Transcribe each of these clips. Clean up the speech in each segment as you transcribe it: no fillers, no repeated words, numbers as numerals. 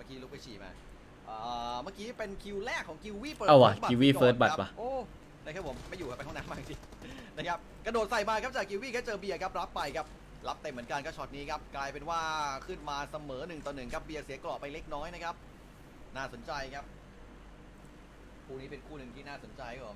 กี้ลุกไปฉี่มาเมื่อกี้เป็นคิวแรกของกิววี่เปิดเอาว่ะกิววี่เฟิร์สบัตรว่ะโอ้นะครับผมไม่อยู่ไปห้องน้ำมาจริงนะครับกระโดดใส่มาครับจากกิววี่แค่เจอเบียร์ครับรับไปครับรับเต็มเหมือนกันก็ช็อตนี้ครับกลายเป็นว่าขึ้นมาเสมอ1-1ครับเบียร์เสียกรอบไปเล็กน้อยนะครับน่าสนใจครับคู่นี้เป็นคู่หนึ่งที่น่าสนใจครับผม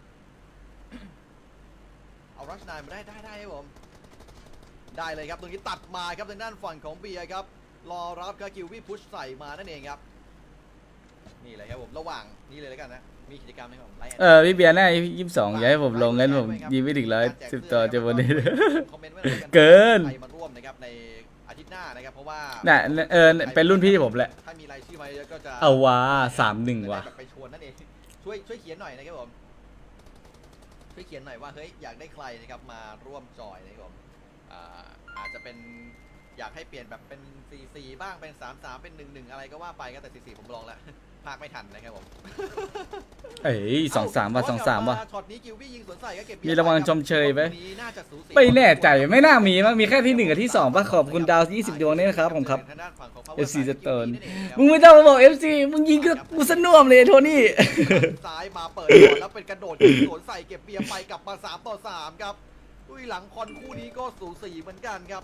เอารัชนายมาได้ครับผมได้เลยครับตรงนี้ตัดมาครับทางด้านฝั่งของเบียร์ครับรอรับครับกิววี่พุชใส่มานั่นเองครับนี่เลยครับผมระหว่างนี้เลยแล้วกันนะมีกิจกรรมไหมครับพี่เบียร์หน้า22อย่าให้ผมลงงั้นผมยิงไม่ถึง110ตัวจะวันนี้คอมเมนต์ไว้เลยกันเกินใครมาร่วมนะครับในอาทิตย์หน้านะครับเพราะว่าน่ะเป็นรุ่นพี่ผมแหละถ้ามีรายชื่อมาเยอะก็จะเอาว่ะ3-1ว่ะไปชวนนั่นเองช่วยเขียนหน่อยนะครับผมช่วยเขียนหน่อยว่าเฮ้ยอยากได้ใครนะครับมาร่วมจอยนะครับผมอาจจะเป็นอยากให้เปลี่ยนแบบเป็น4-4บ้างเป็น3-3เป็น1-1อะไรก็ว่าไปก็แต่4-4ผมลองแล้วภาคไม่ทันนะครับผมเอ้ย2-3ว่ะ2-3ว่ะช็อตนี้กิววี่ยิงสวนใส่ก็เก็บมีรางวัลชมเชยไหมน่าจะสูสีไม่แน่ใจไม่น่ามีมั้งมีแค่ที่1กับที่2ป่ะขอบคุณดาว20ดวงนี่นะครับผมครับ FC Stone มึงไม่ต้องมาบอก FC มึงยิงกูสน่วมเลยโทนี่ซ้ายมาเปิดก่อนแล้วเป็นกระโดดยิงสวนใส่เก็บเบียร์ไปกลับมา3-3ครับด้วยหลังคอนคู่นี้ก็สูสีเหมือนกันครับ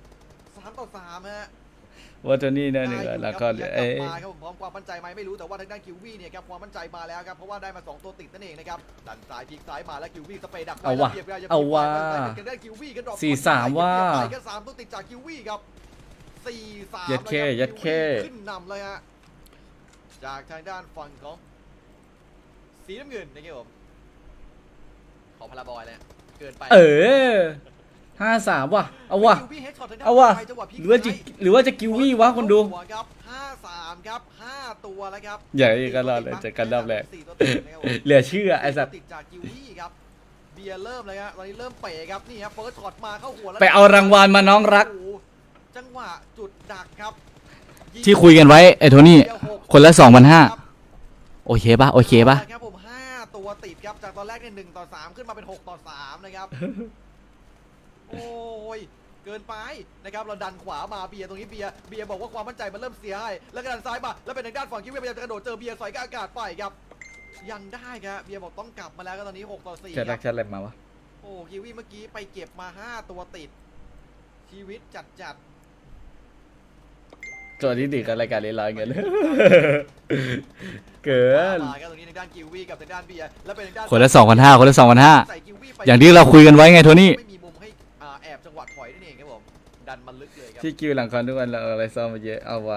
3-3ฮะว่าโทนี่เนี่ยแล้วก็กลับมาครับผมพร้อมความมั่นใจไหมไม่รู้แต่ว่าทางด้านคิววี่เนี่ยครับความมั่นใจมาแล้วครับเพราะว่าได้มา2ตัวติดนั่นเองนะครับดันซ้ายพลิกซ้ายมาแล้วคิววี่สเปรย์ดักเอาว่ะทางด้านคิววี่ก็ดรอป 4-3ว่าไปแค่3ตัวติดจากคิววี่ครับ4-3 ยัดเข้ขึ้นนำเลยฮะจากทางด้านฝั่งของสีน้ำเงินนะครับผมขอพาราบอยเลยเกินไป 5-3ว่ะเอาว่ะคิววี่เฮดช็อตทางด้านเอาว่ะไปจังหวะพลิกหรือว่าจะกิววี่วะคนดูครับ5-3ครับ5ตัวแล้วครับอย่าอีกกันรอบเลยเจอกันรอบแรก 4ตัวติดนะครับผมเหลือเชื่อไอ้สัตว์ติดจากกิววี่ครับเบียร์เริ่มเลยครับตอนนี้เริ่มเป๋ครับนี่ครับเฟิร์สช็อตมาเข้าหัวแล้วไปเอารางวัลมาน้องรักโอ้โหจังหวะจุดดักครับที่คุยกันไว้ไอ้โทนี่คนละ2,500โอเคป่ะโอเคป่ะครับผม5ตัวติดครับจากตอนแรกเนี่ย1-3ขึ้นมาเป็น6-3นะครับ โอ้ยเกินไปนะครับเราดันขวามาเบียร์ตรงนี้เบียร์บอกว่าความมั่นใจมันเริ่มเสียให้แล้วก็ดันซ้ายมาแล้วเป็นทางด้านฝั่งคิวเวียพยายามจะกระโดดเจอเบียร์สอยกับอากาศไปครับยังได้ครับเบียร์บอกต้องกลับมาแล้วก็ตอนนี้6-4 แชทครัรักบแชทอะไรมาวะโอ้คิววี่เมื่อกี้ไปเก็บมา5ตัวติดชีวิตจัดตัวที่ดีกันรายการเล่นร้อยเงิน เกินมาครับตรงนี้ทางด้านคิววี่กับทางด้านเบียร์แล้วเป็นทางด้านคนละ2,500คนละ2,500 ใส่คิววี่ไปอย่างที่เราคุยกันไว้ไงโทนี่ไม่มีมุมให้แอบจังหวะถอยนั่นเองครับผมดันมันลึกเลยครับที่คิวหลังคอนทุกวันเราเอาอะไรซ้อมมาเยอะเอาว่ะ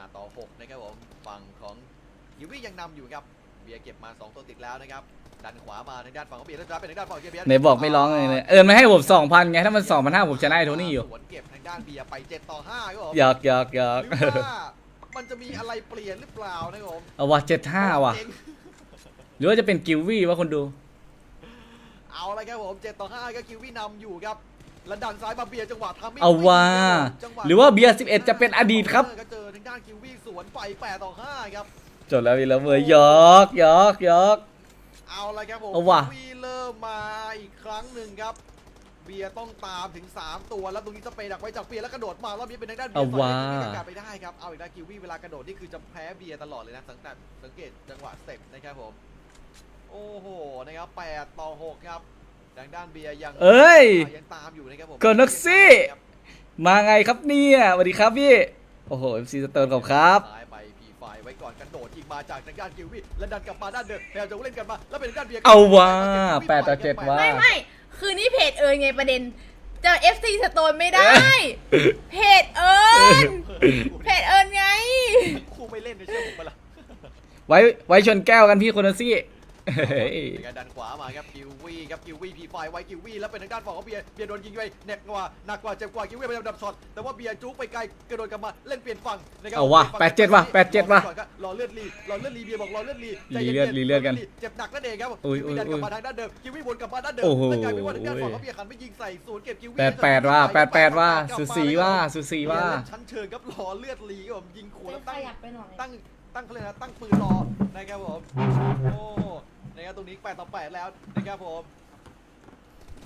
5-6นะครับผมฝั่งของคิววี่ยังนำอยู่ครับเบียร์เก็บมา2ตัวติดแล้วนะครับดันขวามาทางด้านฝั่งของเบียร์แล้วจะเป็นทางด้านฝั่งของเบียร์ไหนบอกไม่ร้องเลยเนี่ยไม่ให้ผม2,000ไงถ้ามัน2,500ผมชนะไอ้โทนี่อยู่สวนเก็บทางด้านเบียร์ไป7-5ครับผมหยอกหรือว่ามันจะมีอะไรเปลี่ยนหรือเปล่านะครับผมเอาว่ะ75ว่ะเจ๋งหรือว่าจะเป็นกิววี่วะคนดูเอาละครับผม7-5ก็คิววี่นำอยู่ครับแล้วดันซ้ายมาเบียร์จังหวะทำไม่เอาว่ะจังวะหรือว่าเบียร์11จะเป็นอดีตครับก็เจอทางด้านคิววี่สวนไป8-5ครับจบแล้ววีแล้วเว้ยหยอกเอาละครับผมเอาว่ะคิววี่เริ่มมาอีกครั้งหนึ่งครับเบียร์ต้องตามถึง3ตัวแล้วตรงนี้สเปรย์ดักไว้จากเบียร์แล้วกระโดดมารอบนี้เป็นทางด้านเบียเอาร์ว่ะสอยกลับไปได้ครับเอาอีกแล้วคิววี่เวลากระโดดนี่คือจะแพ้เบียร์ตลอดเลยนะสังเกตจังหวะสเต็ปนะครับผมโอ้โหนะครับ8-6ครับทางด้านเบียร์ยังเอ้ยยังตามอยู่นะครับผมเกินนักซี่ มาไงครับเนี่ยสวัสดีครับพี่โอ้โห FC สเตอร์ขอบครับซ้ายไปพีไฟไว้ก่อนกระโดดยิงมาจากทางด้านคิววี่แล้วดันกลับมาด้านเดิมพยายามจะเล่นกันมาแล้วเป็นทางด้านเบียร์เอาว่ะ8-7ว่ะไม่คือนี่เพจเอิญไงประเด็นเจอ FC สโตนไม่ได้ เพจเอิญเพจเอิญไงคู่ไม่เล่นในเชื่อผมปะล่ะไว้ชนแก้วกันพี่คนละซี่ในการดันขวามาครับคิววี่ครับคิววี่พีไฟไว้คิววี่แล้วเป็นทางด้านฝั่งของเบียร์โดนยิงไปหนักกว่าเจ็บกว่าคิววี่พยายามดับช็อตแต่ว่าเบียร์จุกไปไกลกระโดดกลับมาเล่นเปลี่ยนฝั่งนะครับเอาว่ะ8-7ว่ะ8-7ว่ะรอเลือดรีเบียร์บอกรอเลือดรีใจรีย็นๆเลือดกันเจ็บหนักนั่นเองครับอุ้ยคิววี่ดันกลับมาทางด้านเดิมคิววี่วนกลับมาด้านเดิมโอ้โหแล้วกลายเป็นว่าทางด้านฝั่งของเบียร์ขันไปยิงใส่ศูนย์เก็บคิววี่ 8-8ว่ะ8-8ว่ะสูสีว่ะสูสีว่ะชั้นเชิงครับรอเลือดรีครับผมยิงขู่แล้วขยับไปหน่อยตั้งเขาเลยนะตั้งปืนรอนะครับผมโอ้นะครับตรงนี้8-8แล้วนะครับผม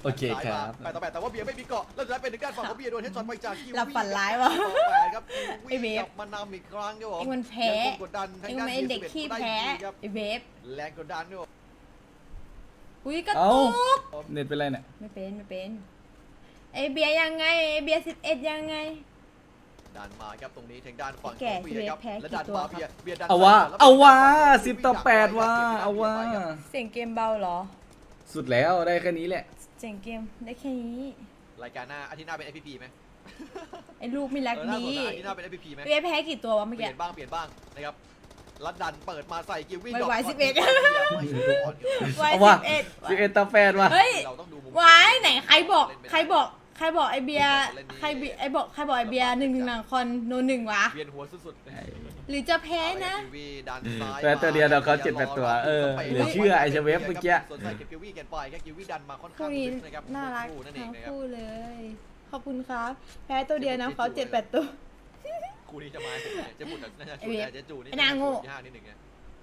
โอเคครับ 8-8แต่ว่าเบียร์ไม่มีเกาะแล้วสุดท้ายเป็นทางด้านฝั่งของเบียร์โดนเฮดช็อตไปจากคิวหลับฝันร้ายวะ 8ครับไอ้เวฟกลับมานำอีกครั้งครับผมเองมันแพ้ยังคงกดดันทาเอง งด้านไม่เด็ก BS11 ขี้แพ้ได้ดีครับไอเวฟแรงกดดันด้วยอุ้ยกระเอ้าตุกเน็ตเป็นไรเนี่ยไม่เป็นไอเบียร์ยังไงไอเบียร์11ยังไงดันมาครับตรงนี้ทางด้านฝั่งแก่ของเบียร์ครับแพ้และกี่ดันตัวมาครับเบียร์ดันเอาว่าซ้ยเอาว่าแล้ว 10-8ว่าเอาว่าเสียงเกมเบาเหรอสุดแล้วได้แค่นี้แหละเสียงเกมได้แค่นี้รายการหน้าอาทิตย์หน้าเป็น FPP ไหมไอลูกไม่รักน่าดีสนนะอาทิตย์หน้าเป็น FPP ไหมเบียร์แพ้กี่ตัววะเมื่อเปกี้ลี่ยนบ้างนะครับแล้วดันเปิดมาใส่กิววิ่งไวๆก่อน 11 วัยเอาว่า 11 11-8ว่ะเฮ้ยเราต้องดูมุมวายไหนใครบอกไอเบียร์ใครบอกไอเบียร์1-1คอนโน1วะเวียนหัวสุดๆหรือจะแพ้นะกิววี่ดันซ้ายแพ้ตัวเดียวเราเขา7-8ตัวเหลือเชื่อไอ้เชเวฟเมื่อกี้สนใจเก็บกิววี่กันไปแค่กิววี่ดันมาค่อนคู่ข้างนี้ลึกนะครับน่ารักคู่นั่นเองทั้งนะครับคู่เลย ขอบคุณครับ แพ้ตัวเดียวนะเขา7-8 ตัวคู่นี้จะมาเจะบุญน่าจะไอ้ชูเวียแต่เจะจูนี่ไอ้นางโง่ยากนิดหนึ่งไง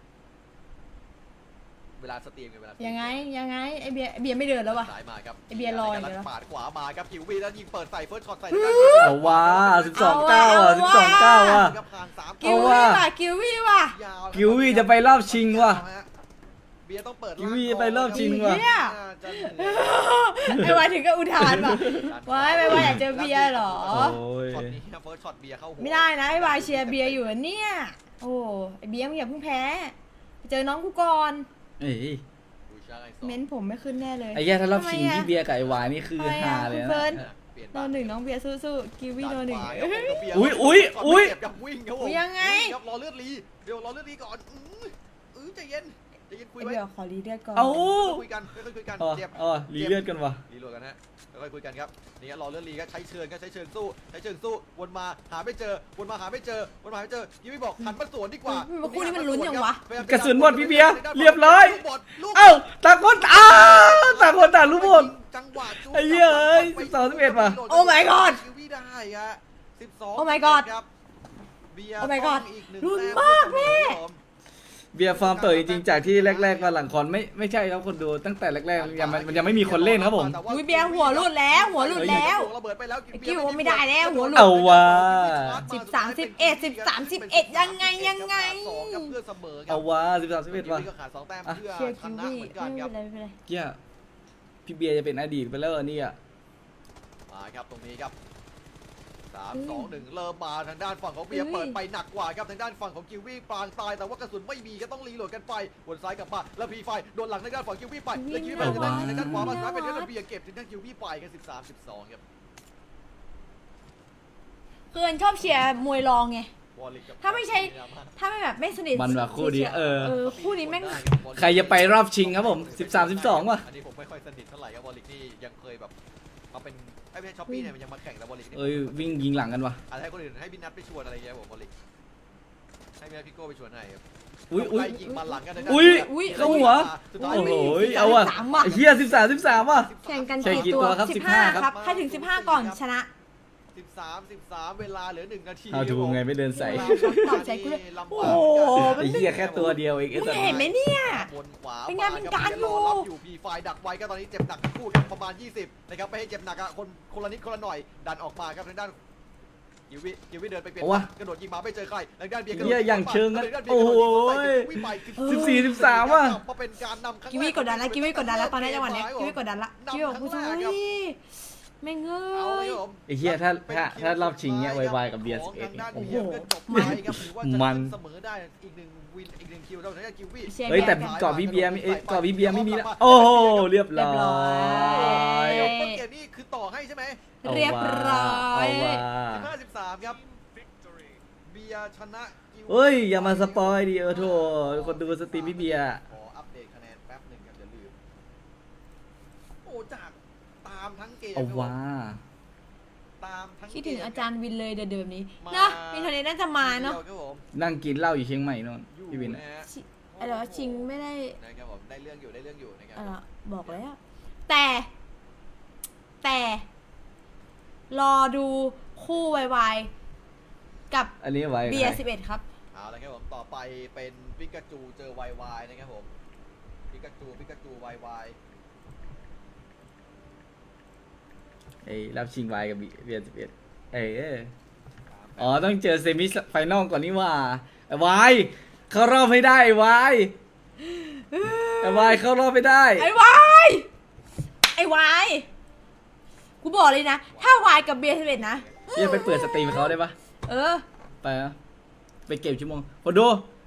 เวลาสตรีมกับเวลาสตรีมยังไงไอเบียร์ไม่เดินแล้ววะสายมาครับไอ้เบียร์ลอยอยู่แล้วปาดขวามาครับกิววี่แล้วยิงเปิดใส่เฟิร์สช็อตใส่เอาว่า12-9ว่ะ12-9ว่ะครับผ่านสามกิววี่ว่ะกิววี่ว่ะยาวกิววี่จะไปรอบชิงว่ะเบียร์ต้องเปิดกิววี่ไปรอบชิงว่ะเนี่ย ไอวายถึงก็อุทานว่ะวายไม่ว่าอยากเจอเบียร์เหรอโอ้ยช็อตนี้เฟิร์สช็อตเบียร์เข้าหัวไม่ได้นะไอวายเชียร์เบียร์อยู่อะเนี่ย โอ้ไอเบียร์มึงอย่าเพิ่งแพ้ไปเจอน้องกูก่อนเอ้ยเม้นผมไม่ขึ้นแน่เลยไอ้แย่ถ้ารอบชิงทำไมอะที่เบียร์กับไอ้วายนี่คือทำไมอะฮาเลยคุณเฟินะร์น โนหนึ่งน้องเบียร์สู้ๆกิววี่โนหนึ่งอุ๊ยวิ่งครับผมยังไงครับรอเลือดรีเดี๋ยวรอเลือดรีก่อนใจเย็นคุยไอไว้เบียร์ขอรีเลือดก่อนเอาคุยกันคุยกันอ๋อเจ็บอ๋อรีเลือดกันว่ะรีโหลดกันฮะค่อยคุยกันครับนี่รอเลือดรีก็ใช้เชิญสู้วนมาหาไม่เจอยี่ไม่บอกหันมาสวนดีกว่าคู่นี้มันลุ้นยังวะกระสุนหมดพี่เบียร์เรียบร้อย เอ้าต่างคนต่างคนต่างรู้หมดจังหวะไอ้เหี้ยเอ้ย12-11ว่ะโอ้ my god คิววี่ได้ฮะ12 โอ้ my god ครับเบียร์โอ้ my god ต้องอีกหนึ่งลุ้นแต้มากแม่เบียร์ฟอร์มเปิดจริงๆจากที่แรกๆมาหลังคอนไม่ใช่ครับคนดูตั้งแต่แรกๆมันยังไม่มีคนเล่นครับผมอุ๊ยเบียร์หัวหลุดแล้วหัวหลุดแล้วระเบิดไปแล้วไอ้กิ้วไม่ได้แล้วหัวหลุดเอาว่ะ 13-11ยังไงสองครับเพื่อเสมอครับเอาว่า13-11ว่ะก็ขาด2แต้มอ่ะเพื่อเชียร์ชคิวนะวี่เหมือนกันไม่คเป็รับนไรไม่เป็นไรเกี้ยพี่เบียร์จะเป็นอดีตไปแล้วอันนี้อ่ะมาครับตรงนี้ครับ3-2-1 เริ่มมาทางด้านฝั่งของเบียร์เปิดไปหนักกว่าครับทางด้านฝั่งของกิววี่ปางตายแต่ว่ากระสุนไม่มีก็ต้องรีโหลดกันไปวนซ้ายกลับมาแล้วพีไฟโดนหลังทางด้านฝั่งกิววี่ไปแล้วกิววี่ไปทางด้านขวามาสุดท้ายเป็นทางด้านเบียร์เก็บทางด้านกิววี่ไปกัน13-12ครับคือชอบเชียร์มวยรองไงวอลลิกกับถ้าไม่ใช่ ถ้าไม่แบบไม่สนิทมันว่ะคู่นี้เออคู่นี้แม่งใครจะไปรอบชิงครับผม13-12ว่ะอันนี้ผมไม่ค่อยสนิทเท่าไหร่ครับวอลลิกนี่ยังเคยแบบมาเป็นไม่ใช่ช้อปปี้เนี่ยมันยังมาแข่งแต่วอลลิกนี่เอ้ยวิ่งยิงหลังกันว่ะอาจจะให้คนอื่นให้บินนัทไปชวนอะไรเงี้ยผมวอลลิกให้บินนัทพี่โก้ไปชวนให้ครับอุ้ยไล่ยิงมาหลังกันอุ้ยเข้าหัว โอ้โหเอาว่ะไอ้เหี้ย13-13ว่ะแข่งกันแข่งกี่ตัวครับ15ครับใครถึง15ก่อนชนะ 13 เวลาเหลือ1 นาทีเอาดูไงไม่เดินใส่ตอบใจกูเลยลำโอ้บากโหไอ้เหี้ยแค่ตัวเดียวเองไอ้มึงสัตว์เห็นไหมเนี่ยบนขวาเป็นไงเป็นการอยู่รับอยู่พีไฟดักไว้ก็ตอนนี้เจ็บหนักทั้งคู่ครับประมาณ20นะครับไม่ให้เจ็บหนักอะคนละนิดคนละหน่อยดันออกมาครับทางด้านกิววิเดินไปเปลี่ยนกระโดดยิงมาไม่เจอใครทางด้านเบียร์กระโดดเหี้ยอย่างเชิงกันทางด้านเบียโอ้ร์กระโหโดดยิงไป 14-13ว่ะมาเป็นการนำครั้งแรกิวี่กดดันแล้วกิวี่กดดันแล้วตอนนี้จังหวะเนี้ยกิวี่กดดันละกิวี่บอกกูช่วยไม่เงเอาเลยยครับผมไอ้เหี้ยถ้ารอบชิงเนี้ยไวๆกับเบียร์ของ 11 ทางด้านโอ้เบีโหยร์ก็จบไปครับถือว่าจะมันเสมอได้อีกหนึ่งวินอีก1คิวเราทางด้านกิววี่เชียร์เฮ้ยแต่แบกก่อนพี่เบียร์ไม่ก่อนพี่เบียร์ไม่มีแล้วโอ้โหเรียบร้อยต้นเกมนี่คือต่อให้ใช่ไหมเรียบร้อยเอาว่ะ 15-13ครับเบียร์ชนะกิวเฮ้ยอย่ามาสปอยดิโถคนดูสตรีมพี่เบียร์ขออัปเดตคะแนนแป๊บหนึ่งครับอย่าลืมโอ้จากตามทั้งเกมเอาว่าตามทั้งเกมคิดถึงอาจารย์วินเลยเดิมนี้มานะมีเทนนี้น่าจะมาเนาะครับผมนั่งกินเหล้าอยู่เชียงใหม่นนอยู่พี่วินนะอะฮะอะไรวะชิงไม่ได้นะครับผมได้เรื่องอยู่นะครับบอกแล้ว แต่รอดูคู่วายกับอันนี้ไว้เบียร์11 ครับเอาละครับผมต่อไปเป็นปิกาจูเจอวายนะครับผมปิกาจูวายไอ้รับชิงวายกับเบียร์11อ๋อต้องเจอเซมิไฟนอลก่อนนี่ว่าไอ้วายเข้ารอบไม่ได้ไอ้วายเข้ารอบไม่ได้ไอ้วายกูบอกเลยนะ ถ้าวายกับเบียร์11นะเดี๋ยวไปเปิดสตรีมเขาได้ปะเออไปนะไปเก็บชั่วโมงพอดู